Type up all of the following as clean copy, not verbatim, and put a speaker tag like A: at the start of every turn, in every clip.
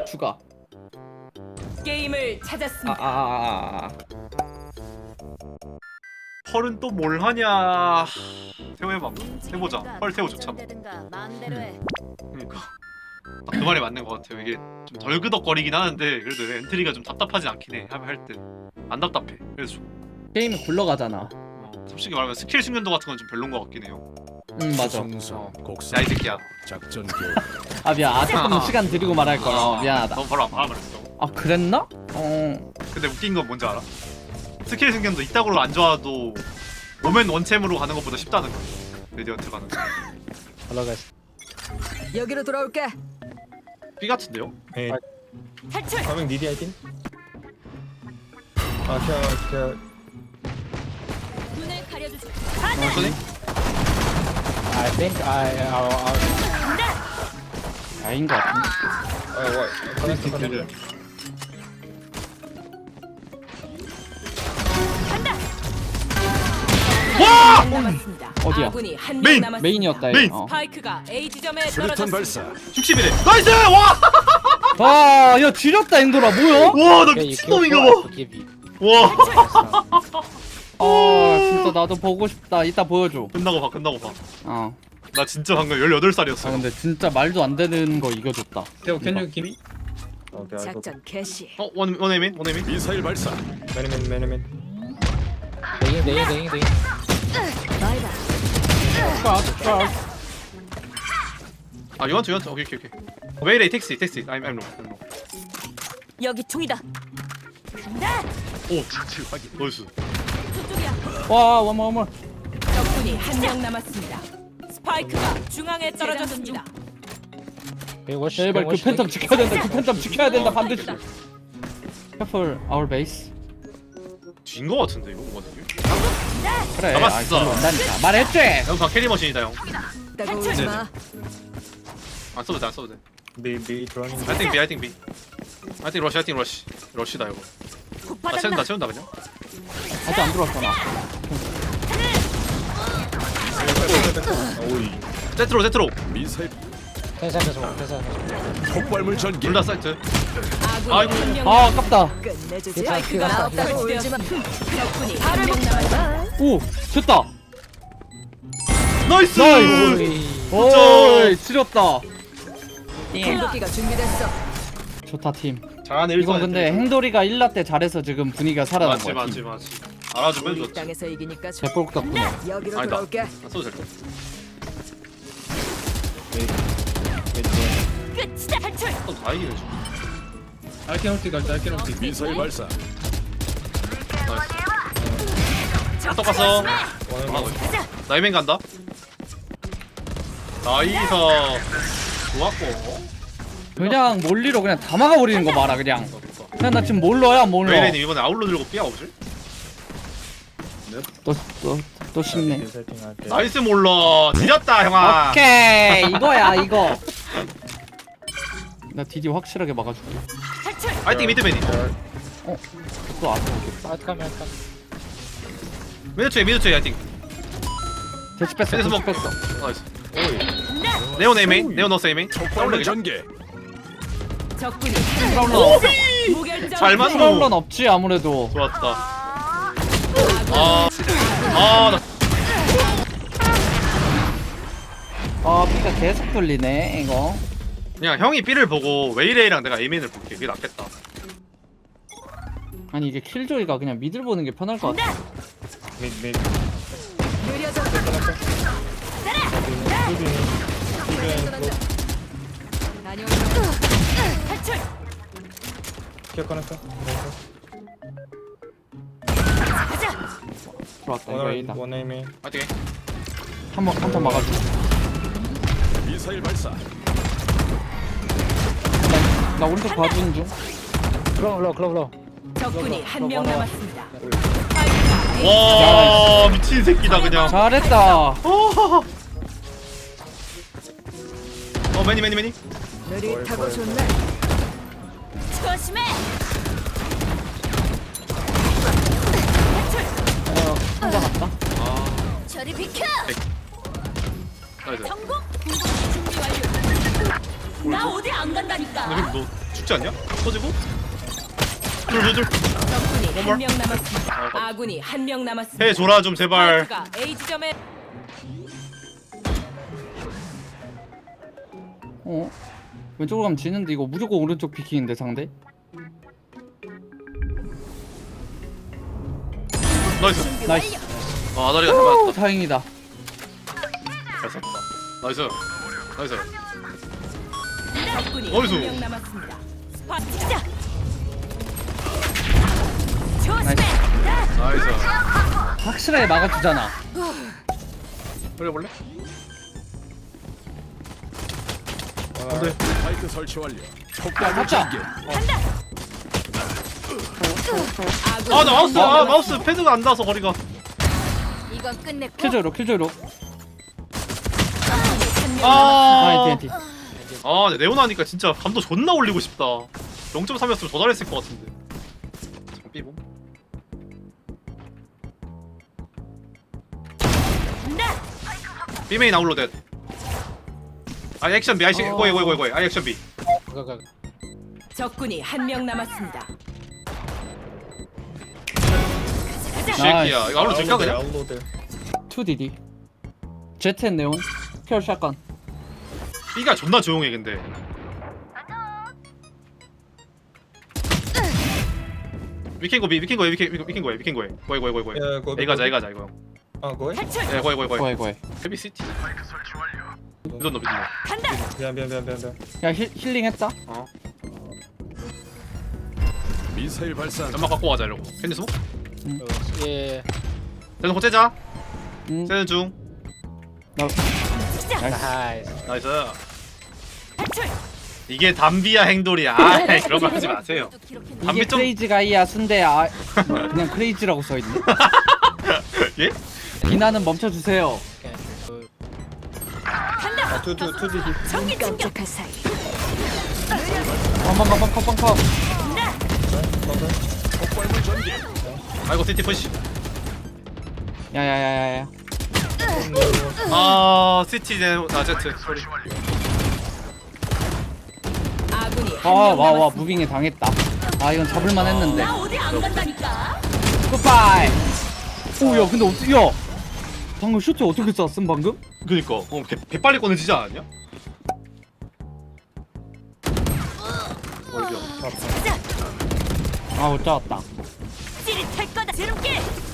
A: 추가.
B: 게임을 찾았습니다.
C: 펄은 또 뭘 하냐. 태호 해봐. 해보자. 펄 태호 좋잖아. 그러니까 딱 그 말이 맞는 것 같아요. 이게 좀 덜 그덕거리긴 하는데 그래도 엔트리가 좀 답답하지 않긴 해. 할 때 안 답답해. 그래서 좀
A: 게임이 굴러가잖아.
C: 솔직히 말하면 스킬 숙련도 같은 건 좀 별론 것 같긴 해요.
A: 맞아.
C: 야 이 새끼야.
D: 작전 교육.
A: 아 미안. 조금 시간 드리고 말할 걸. 미안하다.
C: 너 바로 안 말했어.
A: 아 그랬나?
C: 근데 웃긴 건 뭔지 알아? 스킬 숙련도 이따구로 안 좋아도 오멘 원챔으로 가는 것보다 쉽다는 거야. 레디언트 가는 거.
B: 여기로 돌아올게.
C: B 같은데요?
E: Hey,
B: 탈출.
E: coming DD I think. Okay.
B: 눈을 가려주지.
C: 소니?
E: I think
A: 아닌 것 같은데.
E: what? Connect.
C: 와!
B: 남았습니다.
A: 어디야?
B: 아군이 한
C: 메인!
B: 명 남았습니다.
A: 메인이었다.
C: 메인!
B: 스파이크가 A 지점에
D: 수류탄
B: 떨어졌습니다.
D: 발사.
C: 60이래. 나이스! 와!
A: 와, 야 지렸다 엔도라 뭐야?
C: 와, 나 미친놈인가 봐. 와.
A: 아 진짜 나도 보고 싶다. 이따 보여줘.
C: 끝나고 봐.
A: 어.
C: 나 진짜 방금 18살이었어.
A: 아 근데 진짜 말도 안 되는 거 이겨줬다.
E: Theo, can you give me? Okay, I go.
B: 작전 개시.
C: 원에이민?
D: 미사일 발사.
E: Many min.
B: 바이바.
C: 아, you want? 오케이. 왜 이래? 택시. I'm no.
B: 여기 총이다. 간다.
C: 오, 나이스.
B: 저쪽이야.
A: 와 원more.
B: 적군이 한 명 남았습니다. 스파이크가 중앙에 떨어졌습니다.
A: 제발 그 팬텀 지켜야 된다. 그 팬텀 지켜야 된다 반드시. Careful our base.
C: 진거 같은데 이거 뭐가 되게?
A: 그래.
C: 잡았어.
A: 아, 온다니까. 말했지.
C: 형 다 캐리 머신이다 형.
B: 따가우지 마.
C: 안 써도 돼.
E: B running.
C: I think B. I think rush. 러시다 이거. 나 채운다 그냥.
A: 아직 안 들어왔잖아.
E: 오이.
C: 세트로.
D: 미사일. 폭발물 전개.
C: 둘 다 사이트.
B: 아군이 한 명
A: 아 아깝다.
B: 끝내주지. 스파이크가 없다고 울지 마. 적군이 한 명 남았다.
A: 오 됐다.
C: 나이스.
A: 오 지렸다.
B: 공격기가 준비됐어.
A: 좋다 팀.
C: 잘하네.
A: 이건 근데 행돌이가 1라 때 잘해서 지금 분위기가 살아난 거야.
C: 맞지. 알아주면
B: 우리
C: 좋지.
B: 땅에서 이기니까 좋.
A: 대폭 덕분에.
B: 여기로
C: 아니다.
B: 돌아올게.
C: 안 써도 될 듯.
B: 끝이다. 탈출.
C: 다 이기네 지금.
E: I can ulti.
D: 미사일 발사.
C: 나이스. 또 갔어.
B: 가자.
C: 나이맨 간다. 나이스. 좋았고.
A: 그냥 몰리로 그냥 다 막아버리는 거 봐라 그냥. 그냥 나 지금 몰러야 몰러.
C: 웨이레님 이번에 아울러 들고 삐야 오실?
A: 또 쉽네.
E: I think I can.
C: 나이스 몰러. 뒤졌다 형아.
A: 오케이 이거야 이거. 나 디디 확실하게 막아줄게.
B: 탈출.
C: 파이팅 미드맨이.
A: 또 앞에 오겠다.
C: 미드초에 파이팅.
A: 대치 뺐어.
C: 그래서
A: 대치
C: 뭐-
A: 뺐어.
C: 나이스.
B: 간다.
C: 네온 에이메인. 네온 노스 에이메인.
D: 폭발물 전개.
B: 적군이
A: 프라울러.
B: 무결점.
C: 잘 맞노.
A: 프라울러는 없지 아무래도.
C: 좋았다. 나
A: 아 B가 계속 돌리네 이거.
C: 그냥 형이 B를 보고 웨이레이랑 내가 에이메인을 볼게. 그게 낫겠다.
A: 아니 이게 킬조이가 그냥 미들 보는 게 편할 것 같아.
E: Mid.
B: 느려져. 탈출.
E: Kill connector.
B: 가자.
A: 들어왔다 이거 A다.
E: One aim.
C: 파이팅.
A: 한번 막아줘.
D: 미사일 발사.
A: 나 오른쪽 봐주는 중.
B: 적군이 한 명 남았습니다.
C: 와 미친 새끼다 그냥.
A: 잘했다.
C: 매니.
B: 느릿하고 좋네. 조심해.
A: 혼자 갔다.
B: 저리 비켜.
C: 나이스.
B: 성공. 준비 완료. 나 어디 안 간다니까.
C: 근데 너 죽지 않냐? 터지고 둘
B: 적군이
C: more.
B: 한 명 남았습니다. 아군이 한 명 남았습니다.
C: 해줘라 좀 제발.
B: 스파이크가 A 지점에
A: 왼쪽으로 가면 지는데 이거 무조건 오른쪽 피킹인데 상대?
C: 나이스.
A: 나이스.
C: 아 다리가 잘
A: 오,
C: 맞았다.
A: 다행이다.
C: 잘 썼다. 나이스. 나이스.
B: 적군이
C: 어디서?
B: 한 명 남았습니다. 스파이크 시작.
A: 나이스.
C: 나이스.
A: 확실하게 막아주잖아.
C: 올려볼래?
E: 안돼.
D: 스파이크 설치 완료. 폭발물
A: 잡자.
D: 전개.
B: 아군
C: 아 나 마우스 패드가 안 닿아서 거리가.
B: 이건 끝냈고
A: 킬조로.
B: 한명
C: 아.
A: TNT.
C: 아 근데 네오나니까 진짜 감도 존나 올리고 싶다. 0.3이었으면 더 잘했을 것 같은데. 잠깐 삐보. B메인 아울로댓. 아 액션 B 아이씨 고이 아 액션 B.
B: 적군이 한 명 남았습니다.
C: 이 새끼야 이거 아울로 될까 그냥?
E: 아웃로드.
A: 2DD. 제트 앤 네온. 큐어 샷건.
C: B가 존나 조용해 근데. 위켄 고비 위켄 고에 고이
E: 야, 거기,
C: A 가자 이거.
E: 아 거기?
B: 탈출.
C: 예 고이
A: 고해.
C: 헤비 시티. 믿었노.
B: 간다.
E: 미안.
A: 야 힐링 했다.
C: 어.
D: 미사일 발사.
C: 연막 갖고 가자 이러고. 캔디 스모?
F: 예.
C: 대놓고 호재자.
A: 응.
C: 세는 중.
F: 나이스.
C: 나이스.
B: 탈출.
C: 이게 담비야 행돌이야. 아 그런 거 하지 마세요.
A: 이게
C: 담비 좀
A: 크레이지 가이야 순대 그냥 크레이지라고 써있네.
C: 예?
A: 비나는 멈춰주세요.
E: 아 투디디.
B: 전기 충격할 사이.
A: 컴컴.
D: 폭발물 전개.
C: 아이고 시티 푸시.
A: 야야야야야.
C: 아 시티 나 제트 소리.
B: 아군이 한 명
A: 와
B: 남았습니다.
A: 무빙에 당했다. 아 이건 잡을만 했는데.
B: 나 어디 안 간다니까.
A: 굿바이. 오야 근데 어떻게 야 방금 슈트 어떻게 쐈음 방금?
C: 그니까 개 빨리 꺼내지지 않았냐? 어디야?
A: 아 못 잡았다.
B: 찌릿할 거다. 지름길.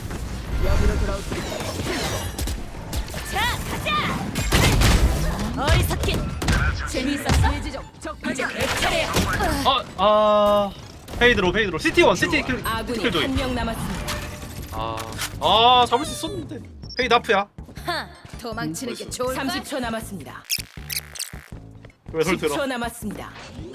B: 자 가자. 어리석긴. 재미있었어? 이제 내 차례야.
C: 페이드로 시티 원 시티
B: 아군이
C: 킬 조이.
B: 한 명 남았습니다.
C: 잡을 수 있었는데 페이드 하프야.
G: 도망치는 게 좋을
B: 30초 남았습니다.
C: 왜 소리 들어?
B: 10초 남았습니다.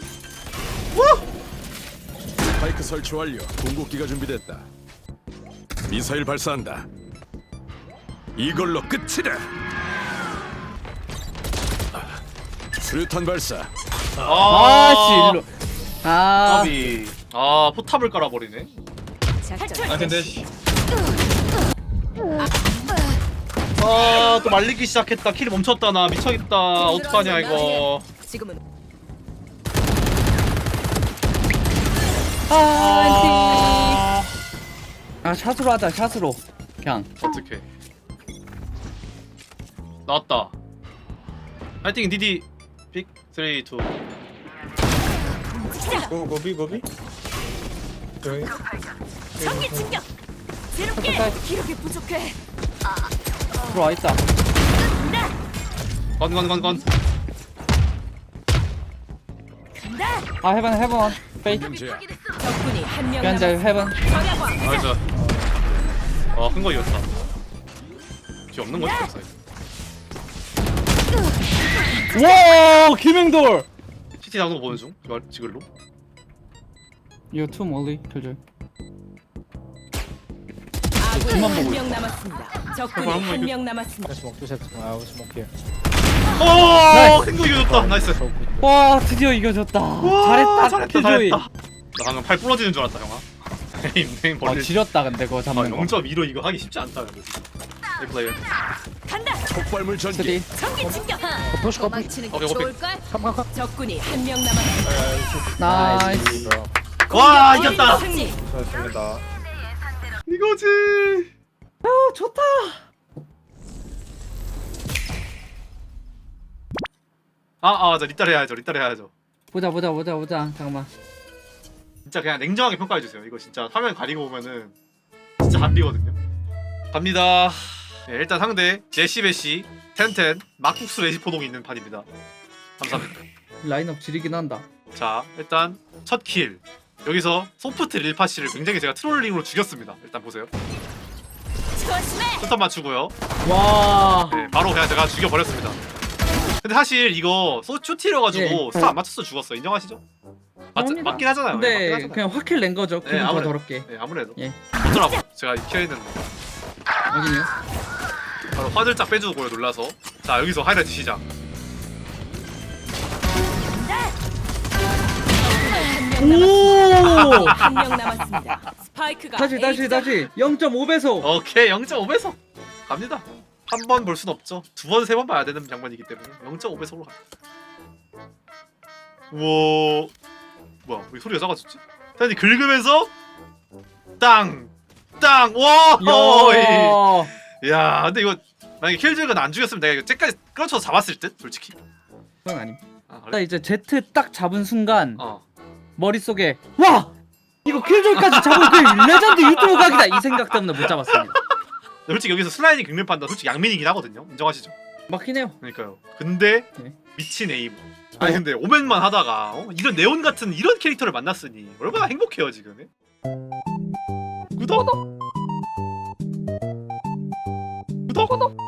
D: 스파이크 설치 완료. 궁극기가 준비됐다. 미사일 발사한다. 이걸로 끝이다. 수류탄 발사.
A: 아씨 일로. 아
C: 까비. 포탑을 깔아버리네.
B: 탈출.
E: 아 근데
C: 또 말리기 시작했다. 킬이 멈췄다. 나 미쳐있다. 어떡하냐 이거.
B: 지금은
A: 아 샷으로 하자 샷으로. 그냥.
C: 어떡해. 나왔다. 파이팅 디디. 픽 3, 2.
E: 고비. 저기.
B: 전기 충격. 지름길. 기록이 부족해.
A: 들어와 있다.
C: 건.
B: 간다.
A: 아 해븐 페이트.
D: 문제야.
B: 적군이 한 명
A: 현재
B: 남았습니다.
A: 해븐.
B: 절약왕.
C: 나이스. 큰 거 이겼다. 뒤 없는 거지 없어.
A: 와 김행돌.
C: CT 나오는 거 보는 중. 지글로.
A: 이거 투 멀리 킬줄.
B: 아군이
A: 그만
B: 한
A: 보고
B: 명 남았습니다. 적군이 한 명 남았습니다.
F: 스모크 스모크.
C: 큰거 이겼다. 나이스.
A: 와 드디어 이겨줬다. 잘했다 킬조이.
C: 나 방금 팔 부러지는 줄 알았다 형아. 에임
A: 아
C: 벌리.
A: 지렸다 근데 그거 잡는 거.
C: 0.2로 이거 하기 쉽지 않다. 근데. 이 플레이어.
B: 간다.
D: 폭발물 전개.
A: 스디.
B: 전기 충격.
G: 도망치는 게
C: 오케이, 오케이.
G: 좋을걸?
B: 적군이 한 명 남았습니다.
A: 나이스.
C: 와 이겼다.
B: 승리.
E: 좋습니다.
C: 이거지.
A: 좋다.
C: 맞아. 리따를 해야죠. 리따를 해야죠.
A: 보자. 잠깐만.
C: 진짜 그냥 냉정하게 평가해 주세요. 이거 진짜 화면 가리고 보면은 진짜 한비거든요. 갑니다. 네, 일단 상대 제시베시 텐텐 막국수 레시포동이 있는 판입니다. 감사합니다.
A: 라인업 지리긴 한다.
C: 자 일단 첫 킬. 여기서 소프트 릴파시를 굉장히 제가 트롤링으로 죽였습니다. 일단 보세요.
B: 조심해.
C: 스턴 맞추고요.
A: 와.
C: 네, 바로 그냥 제가 죽여버렸습니다. 근데 사실 이거 쇼티려가지고
A: 예.
C: 스턴 안 맞췄어 죽었어. 인정하시죠?
A: 합니다.
C: 맞긴 하잖아요. 네, 맞긴
A: 근데
C: 하잖아요.
A: 그냥 확킬 낸 거죠. 기분 더
C: 아무래도.
A: 더럽게.
C: 네 아무래도
A: 예.
C: 어쩌라고 제가 키워있는
A: 여기요.
C: 바로 화들짝 빼주고요 놀라서. 자 여기서 하이라이트 시작.
A: 오.
B: 한 명 남았습니다. 스파이크가
A: 다시.
B: A 지점
A: 0.5배속.
C: 오케이 0.5배속 갑니다. 한 번 볼 순 없죠. 두 번 세 번 봐야 되는 장면이기 때문에 0.5배속으로 갑니다. 우와 뭐야 왜 소리가 작아졌지? 다시 긁으면서 땅 와.
A: 야.
C: 야 근데 이거 만약에 킬즈가 안 죽였으면 내가 이거 쟤까지 끌어쳐서 잡았을 듯 솔직히.
A: 그건 아님.
C: 아,
A: 딱
C: 그래?
A: 이제 Z 딱 잡은 순간
C: 어.
A: 머릿속에 와! 이거 킬조이까지 잡은 그 레전드 유튜브 각이다 이 생각 때문에 못 잡았습니다.
C: 솔직히 여기서 슬라이딩 긁는 판단 솔직히 양민이긴 하거든요. 인정하시죠?
A: 맞긴 해요.
C: 그러니까요. 근데
A: 네.
C: 미친 에임. 아니 근데 오맨만 하다가 이런 네온 같은 이런 캐릭터를 만났으니 얼마나 행복해요 지금. 구독.